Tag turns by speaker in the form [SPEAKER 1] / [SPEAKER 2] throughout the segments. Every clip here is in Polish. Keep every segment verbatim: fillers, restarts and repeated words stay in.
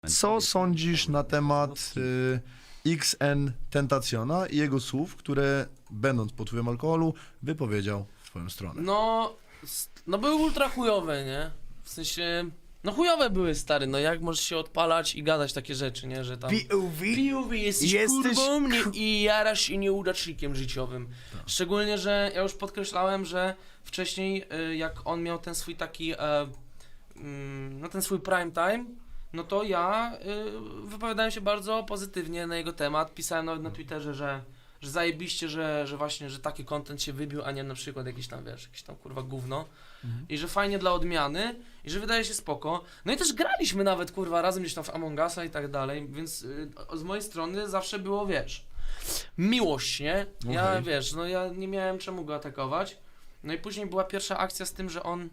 [SPEAKER 1] Co sądzisz na temat y, X N Tentaciona i jego słów, które będąc pod wpływem alkoholu wypowiedział w twoją stronę?
[SPEAKER 2] No, s- no były ultra chujowe, nie? W sensie, no chujowe były, stary, no jak możesz się odpalać i gadać takie rzeczy, nie? Że tam...
[SPEAKER 3] P O V?
[SPEAKER 2] P O V, jesteś,
[SPEAKER 3] Jesteś
[SPEAKER 2] kurwą nie, i jarasz się nieudacznikiem życiowym. Szczególnie, że ja już podkreślałem, że wcześniej y, jak on miał ten swój taki, e, mm, no ten swój prime time, no to ja y, wypowiadałem się bardzo pozytywnie na jego temat, pisałem nawet na Twitterze, że że zajebiście, że, że właśnie, że taki content się wybił, a nie na przykład jakiś tam, wiesz, jakiś tam kurwa gówno.
[SPEAKER 1] Mhm.
[SPEAKER 2] I że fajnie dla odmiany, i że wydaje się spoko. No i też graliśmy nawet, kurwa, razem gdzieś tam w Among Usa i tak dalej, więc y, z mojej strony zawsze było, wiesz, miłość, nie? Ja,
[SPEAKER 1] Okej.
[SPEAKER 2] wiesz, no ja nie miałem czemu go atakować. No i później była pierwsza akcja z tym, że on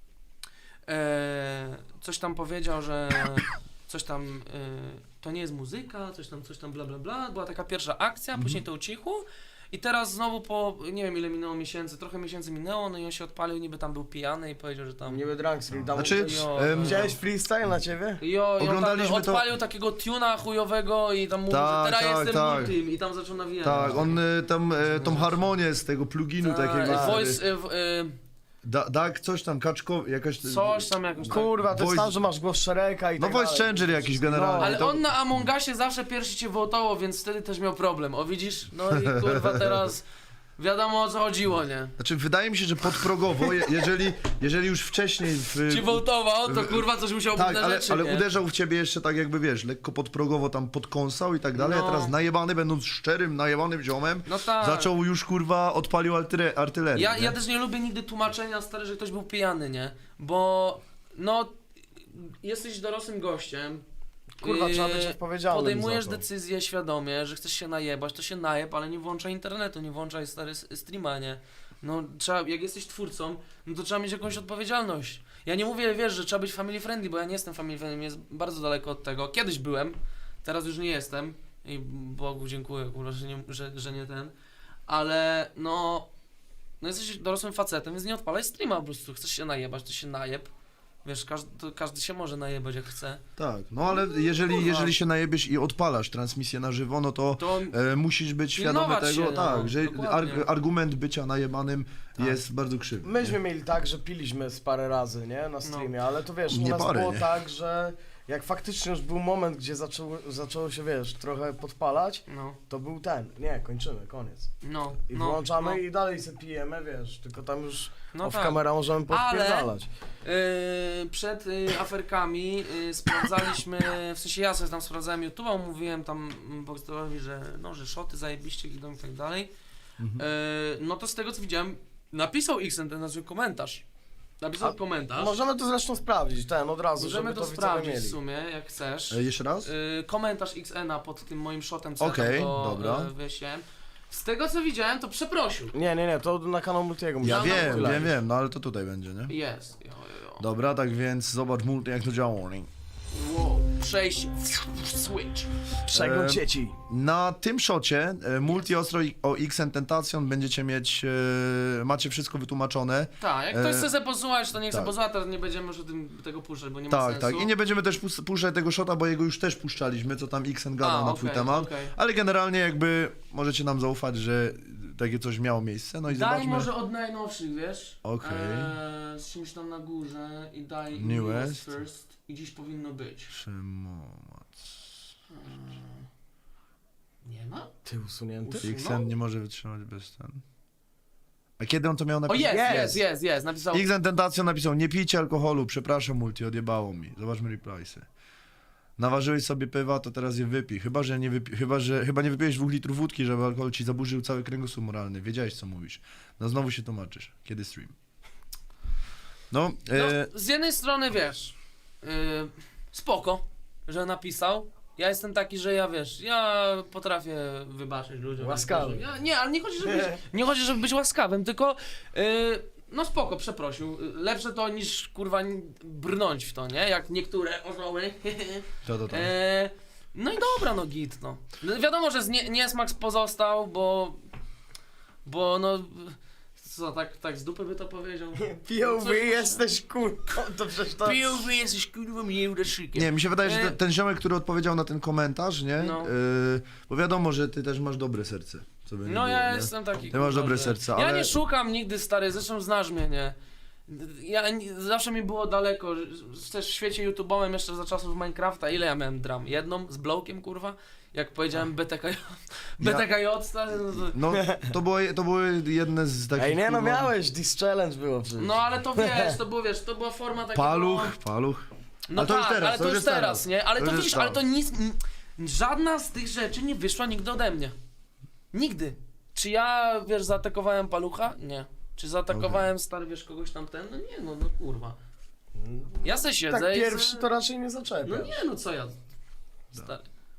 [SPEAKER 2] e, coś tam powiedział, że coś tam, e, to nie jest muzyka, coś tam, coś tam bla bla bla. Była taka pierwsza akcja,
[SPEAKER 1] Mhm.
[SPEAKER 2] później to ucichło. I teraz znowu po, nie wiem ile minęło miesięcy, trochę miesięcy minęło, no i on się odpalił, niby tam był pijany i powiedział, że tam...
[SPEAKER 3] Niby Drunkstream, tam
[SPEAKER 1] Znaczy,
[SPEAKER 2] Jo,
[SPEAKER 1] em,
[SPEAKER 3] widziałeś freestyle na ciebie?
[SPEAKER 2] Jo, i on tam
[SPEAKER 1] Oglądaliśmy to-
[SPEAKER 2] odpalił takiego tuna chujowego i tam mówił,
[SPEAKER 1] Tak,
[SPEAKER 2] że teraz
[SPEAKER 1] tak,
[SPEAKER 2] jestem
[SPEAKER 1] tak.
[SPEAKER 2] multim i tam zaczął nawijać.
[SPEAKER 1] Tak, on y, tam y, tą harmonię z tego pluginu
[SPEAKER 2] Tak,
[SPEAKER 1] takiego.
[SPEAKER 2] voice, y, w- y,
[SPEAKER 1] Da, tak, coś tam, kaczko, jakaś...
[SPEAKER 2] coś tam jakoś tak.
[SPEAKER 3] Kurwa, to jest
[SPEAKER 1] Voice-
[SPEAKER 3] tam, że masz głos Szereka i
[SPEAKER 1] No
[SPEAKER 3] tak
[SPEAKER 1] voice
[SPEAKER 3] dalej.
[SPEAKER 1] changer jakiś generalnie.
[SPEAKER 2] Ale
[SPEAKER 1] to-
[SPEAKER 2] on na Among Usie zawsze pierwszy cię wołtował, więc wtedy też miał problem. O widzisz? No i kurwa teraz wiadomo o co chodziło, nie?
[SPEAKER 1] Znaczy, wydaje mi się, że podprogowo, je, jeżeli, jeżeli już wcześniej... W,
[SPEAKER 2] Ci wołtował, to kurwa coś musiał być
[SPEAKER 1] tak,
[SPEAKER 2] na
[SPEAKER 1] ale,
[SPEAKER 2] rzeczy,
[SPEAKER 1] ale
[SPEAKER 2] nie?
[SPEAKER 1] uderzał w ciebie jeszcze tak jakby, wiesz, lekko podprogowo tam podkąsał i tak dalej,
[SPEAKER 2] No.
[SPEAKER 1] a teraz najebany, będąc szczerym, najebanym ziomem,
[SPEAKER 2] No tak.
[SPEAKER 1] zaczął już, kurwa, odpalił artyre, artylerię.
[SPEAKER 2] Ja,
[SPEAKER 1] nie?
[SPEAKER 2] ja też nie lubię nigdy tłumaczenia, stary, że ktoś był pijany, nie? Bo, no, jesteś dorosłym gościem.
[SPEAKER 3] Kurwa, trzeba być
[SPEAKER 2] yy,
[SPEAKER 3] odpowiedzialnym
[SPEAKER 2] Podejmujesz
[SPEAKER 3] za to.
[SPEAKER 2] decyzję świadomie, że chcesz się najebać, to się najeb, ale nie włączaj internetu, nie włączaj stary s- streama, nie? No, trzeba, jak jesteś twórcą, no to trzeba mieć jakąś odpowiedzialność. Ja nie mówię, wiesz, że trzeba być family friendly, bo ja nie jestem family friendly, jest bardzo daleko od tego. Kiedyś byłem, teraz już nie jestem i Bogu dziękuję, kurwa, że nie, że, że nie ten, ale no, no jesteś dorosłym facetem, więc nie odpalaj streama po prostu, chcesz się najebać, to się najeb. Wiesz, każdy, to każdy się może najebać jak chce.
[SPEAKER 1] Tak, no ale jeżeli,
[SPEAKER 2] Kurwa.
[SPEAKER 1] jeżeli się najebiesz i odpalasz transmisję na żywo, no to
[SPEAKER 2] To
[SPEAKER 1] e, musisz być świadomy
[SPEAKER 2] Pilnować
[SPEAKER 1] tego,
[SPEAKER 2] się, no,
[SPEAKER 1] tak, że
[SPEAKER 2] dokładnie.
[SPEAKER 1] ar, argument bycia najebanym
[SPEAKER 2] Tak.
[SPEAKER 1] jest bardzo krzywy.
[SPEAKER 3] Myśmy mieli tak, że piliśmy z parę razy, nie? Na streamie, ale to wiesz, u
[SPEAKER 1] Nie
[SPEAKER 3] nas
[SPEAKER 1] parę,
[SPEAKER 3] było
[SPEAKER 1] nie?
[SPEAKER 3] tak, że jak faktycznie już był moment, gdzie zaczęło, zaczęło się, wiesz, trochę podpalać,
[SPEAKER 2] no,
[SPEAKER 3] to był ten. Nie, kończymy, koniec.
[SPEAKER 2] no,
[SPEAKER 3] I
[SPEAKER 2] no,
[SPEAKER 3] wyłączamy
[SPEAKER 2] no,
[SPEAKER 3] i dalej se pijemy, wiesz, tylko tam już
[SPEAKER 2] no
[SPEAKER 3] off
[SPEAKER 2] tak.
[SPEAKER 3] kamera możemy podpierdalać.
[SPEAKER 2] Yy, przed yy, aferkami yy, sprawdzaliśmy, w sensie ja sobie tam sprawdzałem YouTube'a, mówiłem tam mm, Boxdorowi, że no, że szoty zajebiście idą i tak dalej.
[SPEAKER 1] Mhm.
[SPEAKER 2] Yy, no to z tego co widziałem, napisał Xen ten nazwy komentarz. Napisał
[SPEAKER 3] A
[SPEAKER 2] komentarz.
[SPEAKER 3] Możemy to zresztą sprawdzić, ten, od razu,
[SPEAKER 2] Możemy
[SPEAKER 3] żeby
[SPEAKER 2] to
[SPEAKER 3] to widzowie
[SPEAKER 2] sprawdzić
[SPEAKER 3] mieli.
[SPEAKER 2] w sumie, jak chcesz.
[SPEAKER 1] E, jeszcze raz?
[SPEAKER 2] Yy, komentarz X N a pod tym moim shotem, co
[SPEAKER 1] Okej,
[SPEAKER 2] ja tam go,
[SPEAKER 1] dobra.
[SPEAKER 2] Yy, wysiłem. Z tego co widziałem, to przeprosił.
[SPEAKER 3] Nie, nie, nie, to na kanał Multiego
[SPEAKER 1] Ja
[SPEAKER 3] musimy
[SPEAKER 1] wiem,
[SPEAKER 3] wylać.
[SPEAKER 1] wiem, wiem, no ale to tutaj będzie, nie?
[SPEAKER 2] Jest. Jo, jo, jo.
[SPEAKER 1] Dobra, tak więc zobacz multi jak to działa.
[SPEAKER 2] Wow. Przejść. Switch.
[SPEAKER 3] Przegląd
[SPEAKER 1] E,
[SPEAKER 3] sieci.
[SPEAKER 1] Na tym szocie e, multi ostro i- o X N Tentacion będziecie mieć, e, macie wszystko wytłumaczone.
[SPEAKER 2] Tak, jak ktoś
[SPEAKER 1] E,
[SPEAKER 2] chce sobie posłuchać, to niech
[SPEAKER 1] tak.
[SPEAKER 2] sobie posłucha, teraz nie będziemy już o tym, tego puszczać, bo nie ma
[SPEAKER 1] Tak,
[SPEAKER 2] sensu.
[SPEAKER 1] tak. I nie będziemy też pus- puszczać tego szota, bo jego już też puszczaliśmy, co tam Xen gadał
[SPEAKER 2] A,
[SPEAKER 1] na
[SPEAKER 2] okej,
[SPEAKER 1] twój temat.
[SPEAKER 2] okej.
[SPEAKER 1] Ale generalnie jakby możecie nam zaufać, że takie coś miało miejsce. No i
[SPEAKER 2] Daj
[SPEAKER 1] zobaczmy.
[SPEAKER 2] może od najnowszych, wiesz?
[SPEAKER 1] Okej.
[SPEAKER 2] Eee, z czymś tam na górze i daj
[SPEAKER 1] Newest.
[SPEAKER 2] first i dziś powinno być.
[SPEAKER 1] Szymomac.
[SPEAKER 2] Eee, nie ma?
[SPEAKER 3] Ty usunięty?
[SPEAKER 2] Usunął?
[SPEAKER 1] Xen nie może wytrzymać bez ten. A kiedy on to miał
[SPEAKER 2] O
[SPEAKER 1] napisać?
[SPEAKER 2] jest,
[SPEAKER 3] Jest.
[SPEAKER 2] jest, jest, jest, napisał.
[SPEAKER 1] Xen Tentacion napisał, nie pijcie alkoholu, przepraszam multi, odjebało mi. Zobaczmy repliesy. Naważyłeś sobie pywa, to teraz je wypij. Chyba, że nie wypi- chyba, że chyba nie wypiłeś dwóch litrów wódki, żeby alkohol ci zaburzył cały kręgosłup moralny. Wiedziałeś, co mówisz. No znowu się tłumaczysz. Kiedy stream? No,
[SPEAKER 2] No,
[SPEAKER 1] e,
[SPEAKER 2] z jednej strony wiesz, yy, spoko, że napisał. Ja jestem taki, że ja wiesz, ja potrafię wybaczyć ludziom.
[SPEAKER 3] Łaskawy.
[SPEAKER 2] Ja, nie, ale nie chodzi, żeby być, nie chodzi, żeby być łaskawym, tylko yy, no spoko, przeprosił. Lepsze to niż kurwa brnąć w to, nie? Jak niektóre osoby.
[SPEAKER 1] to, to, to.
[SPEAKER 2] E, no i dobra, no git, no. No wiadomo, że z nie, niesmak pozostał, bo, bo no, Co, tak, tak z dupy by to powiedział?
[SPEAKER 3] P O V
[SPEAKER 2] Coś-
[SPEAKER 3] jesteś kurką, to przecież to...
[SPEAKER 2] P O V jesteś kurwa miłdaszykiem.
[SPEAKER 1] Nie, mi się wydaje, że
[SPEAKER 2] E-
[SPEAKER 1] ten, ten ziomek, który odpowiedział na ten komentarz, nie?
[SPEAKER 2] No.
[SPEAKER 1] Yy, bo wiadomo, że ty też masz dobre serce. Co by nie
[SPEAKER 2] No
[SPEAKER 1] było,
[SPEAKER 2] ja
[SPEAKER 1] nie?
[SPEAKER 2] jestem taki.
[SPEAKER 1] Ty masz
[SPEAKER 2] kurwa,
[SPEAKER 1] dobre
[SPEAKER 2] że-
[SPEAKER 1] serce,
[SPEAKER 2] Ja
[SPEAKER 1] ale-
[SPEAKER 2] nie szukam nigdy, stary, zresztą znasz mnie, nie? Ja nie, zawsze mi było daleko, że- też w świecie YouTube'owym jeszcze za czasów Minecrafta, ile ja miałem dram? Jedną z Blowkiem, kurwa? Jak powiedziałem B T K J, B T K J, stary, no to...
[SPEAKER 1] No, to, było, to były jedne z takich...
[SPEAKER 3] Ej, nie no,
[SPEAKER 1] kurwa,
[SPEAKER 3] miałeś, this challenge było przecież.
[SPEAKER 2] No ale to wiesz, to było, wiesz, to była forma takiego...
[SPEAKER 1] Paluch, paluch.
[SPEAKER 2] No
[SPEAKER 1] Ale to
[SPEAKER 2] tak,
[SPEAKER 1] już teraz,
[SPEAKER 2] ale to, już teraz, nie? Ale
[SPEAKER 1] To
[SPEAKER 2] to,
[SPEAKER 1] już
[SPEAKER 2] widzisz,
[SPEAKER 1] jest
[SPEAKER 2] ale to
[SPEAKER 1] tam.
[SPEAKER 2] nic... n- Żadna z tych rzeczy nie wyszła nigdy ode mnie. Nigdy. Czy ja, wiesz, zaatakowałem palucha? Nie. Czy zaatakowałem, stary, wiesz, kogoś tam ten? No nie, no, no kurwa. Ja se siedzę
[SPEAKER 3] Tak
[SPEAKER 2] i
[SPEAKER 3] pierwszy
[SPEAKER 2] se...
[SPEAKER 3] to raczej nie zaczepia.
[SPEAKER 2] No nie, no co ja... Stary.